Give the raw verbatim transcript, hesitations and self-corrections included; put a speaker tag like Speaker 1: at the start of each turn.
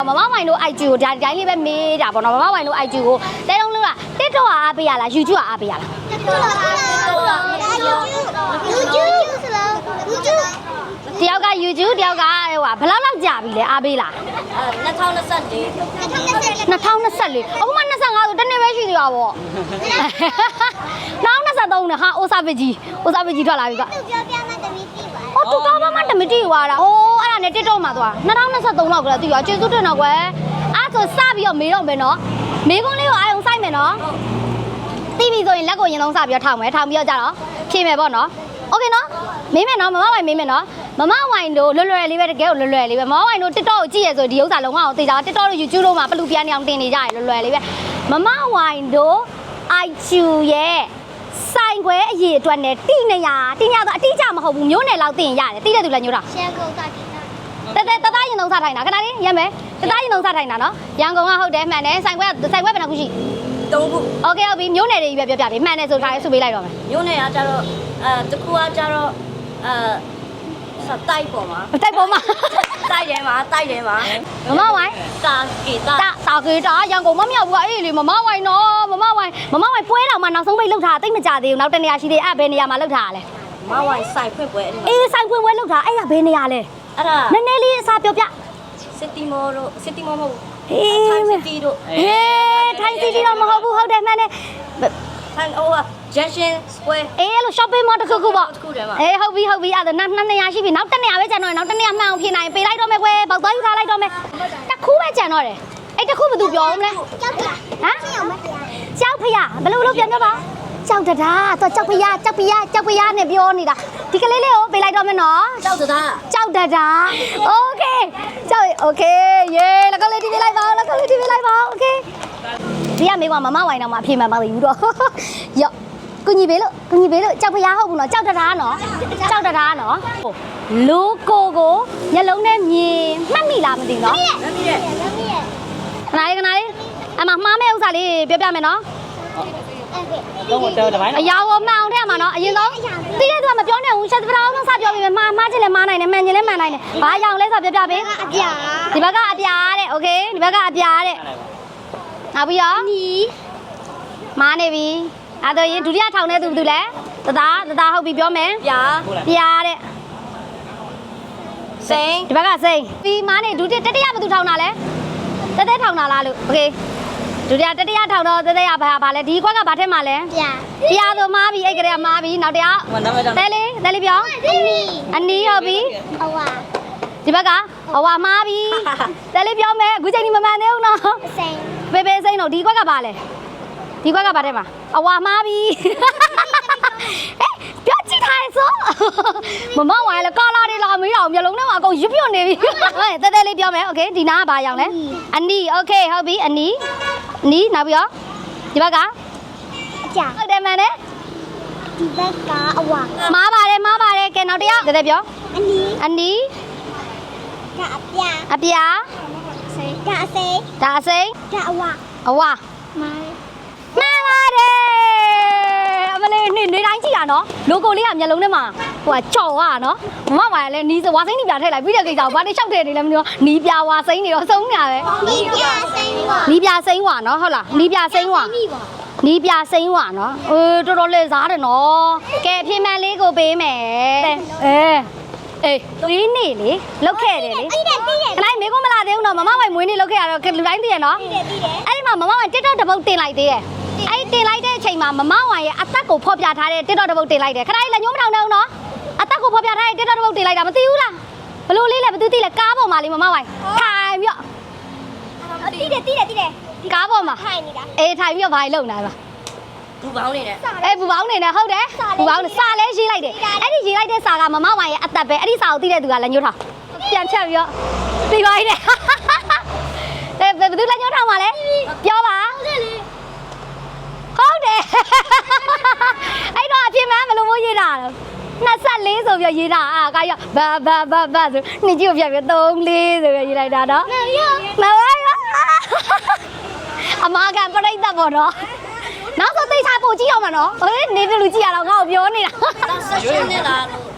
Speaker 1: မမဝိုင်တို့ I G ကိုဒါဒီတိုင်းလေးပဲမေးတာပေါ့နော်မမဝိုင်တို့ I G ကိုတဲလုံးလုံးက TikTok ကအားပေးရလား YouTube ကအားပေးရလား တယောက်က YouTube တယောက်ကဟိုဘယ်လောက်လောက်ကြာပြီလဲအားပေးလား
Speaker 2: အဲ2024
Speaker 1: 2024အခုမှ25ဆိုတနေ့ပဲရှိသေးတာပေါ့နောက်23နဲ့ဟာအိုစာပကြီးအိုစာပကြီးထွက်လာပြီကဟောတူတော့မှတမတီးွားတာဟိုးအဲ့ဒါနဲ့ TikTok မှာသွား2023လောက်ကလေးတီးရောကျေးဇူးတင်တော့ကွယ်အဲ့ဆိုစပြီးတော့မေးတော့မယ်နော်မေးခွန်းလေးကိုအာရုံစိုက်မယ်နော်တီးပြီဆိုရင်လက်ကိုရင်လုံးစပြီးတော့ထောင်မယ်ထောင်ပြီးတော့ကြတော့ဖြေမယ်ပေါ့နော်โอเคနော်မေးမယ်နော်မမဝိုင်မေးမယ်နော်မမဝိုင်တို့လွယ်လွယ်လေးပဲတကယ်ကိုလွယ်လွယ်လေးပဲမမဝိုင်တို့ TikTok ကိုကြည့်ရဆိုဒီဥစ္စာလုံးဝအောင်သိကြ TikTok တို့ YouTube တို့မှာပလူပြန်နေအောင်တင်နေကြရလွယ်လွယ်လေးပဲမမဝိုင်တို့ I Q ရဲ့ဆိုင်ခွဲအရေးအတွက်နဲ့တိနေရတိနေတော့အတိအကျမဟုတ်ဘူးမျိုးနယ်လောက်သိရင်ရတယ်တိတဲ့သူလည်းညို့တာ
Speaker 2: ရှမ်းကုန်တာဒီနာ
Speaker 1: တဲတဲတသားရင်သုံးစားထိုင်တာခဏလေးရက်မယ်တသားရင်သုံးစားထိုင်တာနော်ရန်ကုန်ကဟုတ်တယ်မှန်တယ်ဆိုင်ခွဲဆိုင်ခွဲဘယ်နှခုရှိ
Speaker 2: သုံးခု
Speaker 1: โอเคဟုတ်ပြီမျိုးနယ်တွေကြီးပဲပြောပြပြီမှန်တယ်ဆိုထားရဲဆုပေးလိုက်တော့မယ်
Speaker 2: မျိုးနယ်ကကြတော့အဲတခုကကြတော့အဲစတိုက်ပေါ်မှာ
Speaker 1: တိုက်ပေါ်မှာ
Speaker 2: တိုက်တယ်မှာတိုက်တယ်မှာ
Speaker 1: မမဝိုင်
Speaker 2: တာဂီတာ
Speaker 1: တာတာဂီတာရန်ကုန်မမြောက်ဘူးကအေးလေမမဝိုင်နော်မမဝိုင်မမဝိုင်ပွဲတော်မှာနောက်ဆုံးပိတ်လောက်ထားတိတ်မကြသေးဘူးနောက်တနေရာရှိသေးအဲ့ဘယ်နေရာမှာလောက်ထားရလဲ
Speaker 2: မဝိုင်ဆိုင်ဖွင့်ပွဲ
Speaker 1: အေးဆိုင်ဖွင့်ပွဲလောက်ထားအဲ့ကဘယ်နေရာလဲ
Speaker 2: အဲ့ဒါ
Speaker 1: နည်းနည်းလေးအစားပြောပြ
Speaker 2: စစ်တီမောတို့စစ်တီမောမဟုတ်
Speaker 1: ဟေး
Speaker 2: ထိုင်းစစ်တီတို့
Speaker 1: ဟေးထိုင်းစီတီတော့မဟုတ်ဘူးဟုတ်တယ်မှန်တယ်
Speaker 2: ထိုင်းဟိုက Junction Square
Speaker 1: အေးအဲ့လို shopping mall တစ်ခုခုပေါ့
Speaker 2: တစ်ခုတည်းမှာ
Speaker 1: အေးဟုတ်ပြီဟုတ်ပြီအဲ့ဒါနှစ်နေရာရှိပြီနောက်တစ်နေရာပဲကျန်တော့နောက်တစ်နေရာမှန်အောင်ဖြေနိုင်ပေးလိုက်တော့မယ်ကွယ်ပေါက်သွားယူထားလိုက်တော့မယ်တစ်ခုပဲကျန်တော့တယ်အဲ့တစ်ခုဘယ်သူပြောမလဲ
Speaker 2: ကြောက်ဖျား
Speaker 1: ဟမ်ကြောက်ဖျားဘယ်လိုလုပ်ပြန်ပြောပါကြောက်တတာတော့ကြောက်ဖျားကြောက်ဖျားကြောက်ဖျားနဲ့ပြောနေတာဒီကလေးလေးကိုပေးလိုက်တော့မယ်နော်
Speaker 2: ကြောက်တတာ
Speaker 1: ကြောက်တတာโอเคကြောက်โอเคเย้แล้วก็လေးဒီပေးလိုက်ပါแล้วก็လေးဒီပေးလိုက်ပါโอเคဒီကမေးကွာမမဝိုင်တော့မှအဖြေမှန်ပါသေးဘူးတော့ရော့ကုညီပေးလို့ကုညီပေးလို့ကြောက်ဖျားဟုတ်ဘူးနော်ကြောက်တတာနော်ကြောက်တတာနော်လူကိုကိုမျက်လုံးနဲ့မြင်မှတ်မိလားမသိဘူးနော်
Speaker 2: မမီးရဲ့မမီးရဲ့
Speaker 1: ခဏလေးခဏလေးအမမှားမဲ့ဥစ္စာလေးပြောပြမယ်နော်
Speaker 3: တော့တော့တပိုင်း
Speaker 1: အရာကိုမှန်အောင်ထည့်ရမှာနော်အရင်ဆုံးတိတဲ့သူကမပြောနိုင်ဘူးချက်စပတာအောင်စပြောပြီးမှားမှားချင်လဲမှားနိုင်တယ်မှန်ချင်လဲမှန်နိုင်တယ်ဘာရောင်လဲဆိုပြောပြပေး
Speaker 2: အပြာ
Speaker 1: ဒီဘက်ကအပြာတဲ့โอเคဒီဘက်ကအပြာတဲ့နောက်ပြီးတော့
Speaker 2: နီ
Speaker 1: မားနေပြီအဲ့တော့ရင်ဒုတိယထောင်တဲ့သူဘယ်သူလဲတသားတသားဟုတ်ပြီပြောမယ်
Speaker 2: ပြာ
Speaker 1: ပြာတဲ့
Speaker 2: စိန်
Speaker 1: ဒီဘက်ကစိန်ပြီးမားနေဒုတိယတတိယဘယ်သူထောင်တာလဲတဲတဲထောင်တာလားလို့โอเคဒုတိယတတိယထောင်တော့တဲတဲရဘာဘာလဲဒီခွက်ကဘာထက်မှာလဲ
Speaker 2: ပြာ
Speaker 1: ပြာဆိုမားပြီအဲ့ကလေးကမားပြီနောက်တစ်ယောက်တဲလေးတဲလေးပြော
Speaker 2: အနီ
Speaker 1: အနီဟုတ်ပြီ
Speaker 2: အဝါ
Speaker 1: ဒီဘက်ကအဝါမားပြီတဲလေးပြောမယ်အခုချိန်ဒီမမှန်သေးဘူးနော်
Speaker 2: စိန်
Speaker 1: ဘေဘေစိန်တော့ဒီခွက်ကဘာလဲဒီခွက်ကဘာထဲမှာအဝါမားပြီဟဲ့ပြောကြည့်ထားရစို့မမဝိုင်းလေကာလာတွေလာမေးတော့မျိုးလုံးထဲမှာအကုန်ရွပြွတ်နေပြီဟဲ့တဲတဲလေးပြောမယ်โอเคဒီနာကဘာရောင်လဲအနီโอเคဟုတ်ပြီအနီအနီနောက်ပြီးတော့ဒီဘက်ကအ
Speaker 2: ပြာ
Speaker 1: ဟုတ်တယ်မှန်တယ်
Speaker 2: ဒီဘက်ကအဝါ
Speaker 1: မားပါတယ်မားပါတယ်ကဲနောက်တစ်ယောက်တဲတဲပြော
Speaker 2: အနီ
Speaker 1: အနီ
Speaker 2: ကအပြာ
Speaker 1: အပြာ
Speaker 2: စိန်ကအစိန်
Speaker 1: ဒါအစိန်
Speaker 2: ကအဝါ
Speaker 1: အဝါ
Speaker 2: မား
Speaker 1: မှန်ပါတယ်အမလေးနေနေတိုင်းကြည့်ရနော်လိုကိုလေးကမျက်လုံးထဲမှာဟိုကကြော်ရနော်မမဝါရလဲနီးစဝါစိမ့်နီးပြထည့်လိုက်ပြီးတဲ့ကိစ္စကိုဘာလို့ရှောက်ထည့်နေလဲမသိဘူးနီးပြဝါစိမ့်နေတော့ဆုံးနေတာပဲ
Speaker 2: နီးပြစိမ့်ဝါ
Speaker 1: နီးပြစိမ့်ဝါနော်ဟုတ်လားနီးပြစိမ့်ဝါနီးပြစိမ့်ဝါနော်အေးတော်တော်လေးစားတယ်နော်ကဲဖြေမှန်လေးကိုပေးမယ်အေးအေးသွေးနေလေလောက်ခဲ့တယ်လေ
Speaker 2: တိတယ်တိတယ်
Speaker 1: ခလိုက်မေကုန်းမလာသေးဘူးနော်မမဝိုင်မွေးနေလောက်ခဲ့ရတော့လူတိုင်းသိရနော်
Speaker 2: တိတယ်တိတယ်
Speaker 1: အဲ့ဒီမှာမမဝိုင် TikTok တစ်ပုတ်တင်လိုက်သေးတယ်အဲ့တင်လိုက်တဲ့အချိန်မှာမမဝိုင်ရဲ့အသက်ကိုဖော်ပြထားတဲ့ TikTok တစ်ပုတ်တင်လိုက်တယ်ခဏလေးလည်းညှိုးမထောင်တော့ဘူးနော်အသက်ကိုဖော်ပြထားတဲ့ TikTok တစ်ပုတ်တင်လိုက်တာမသိဘူးလားဘလို့လေးလဲဘသူသိလဲကားပေါ်မှာလေးမမဝိုင်ထိုင်ပြီးတော့
Speaker 2: တိတယ်တိတယ်တိတယ်
Speaker 1: ကားပေါ်မှာ
Speaker 2: ထိုင်နေတာ
Speaker 1: အေးထိုင်ပြီးတော့ဘာကြီးလုံနေတာပါ
Speaker 2: ဘူပေါင်းနေတယ်
Speaker 1: အေးဘူပေါင်းနေတယ်ဟုတ်တယ်ဘူပေါင်းစာလဲရေးလိုက်တယ်အဲ့ဒီရေးလိုက်တဲ့စာကမမဝိုင်ရဲ့အသက်ပဲအဲ့ဒီစာကိုသိတဲ့သူကလည်းညှိုးထောင်ပြန်ချက်ပြီးတော့ပြီးပါပြီတဲ့အဲဘယ်သူလည်းညှိုးထောင်ပါလဲပြောပါဟုတ်တယ်အဲ့တော့အဖြစ်မှန်းဘယ်လိုမျိုးရေးတာလဲ24ဆိုပြီးရေးတာအာကရဘာဘာဘာဘာဆိုနှစ်ကြီးကိုပြပြ34ဆိုပြီးရေးလိုက်တာနော်မပါဘူးအမကန်ပြိတ္တပေါ့နော်နောက်ဆိုသိချာပို့ကြည့်အောင်မနော်ဟေးနေတယ်လူကြည့်ရတော့ငါ့ကိုပြောနေတာ
Speaker 2: ဆက်ရှင်နေလားလို့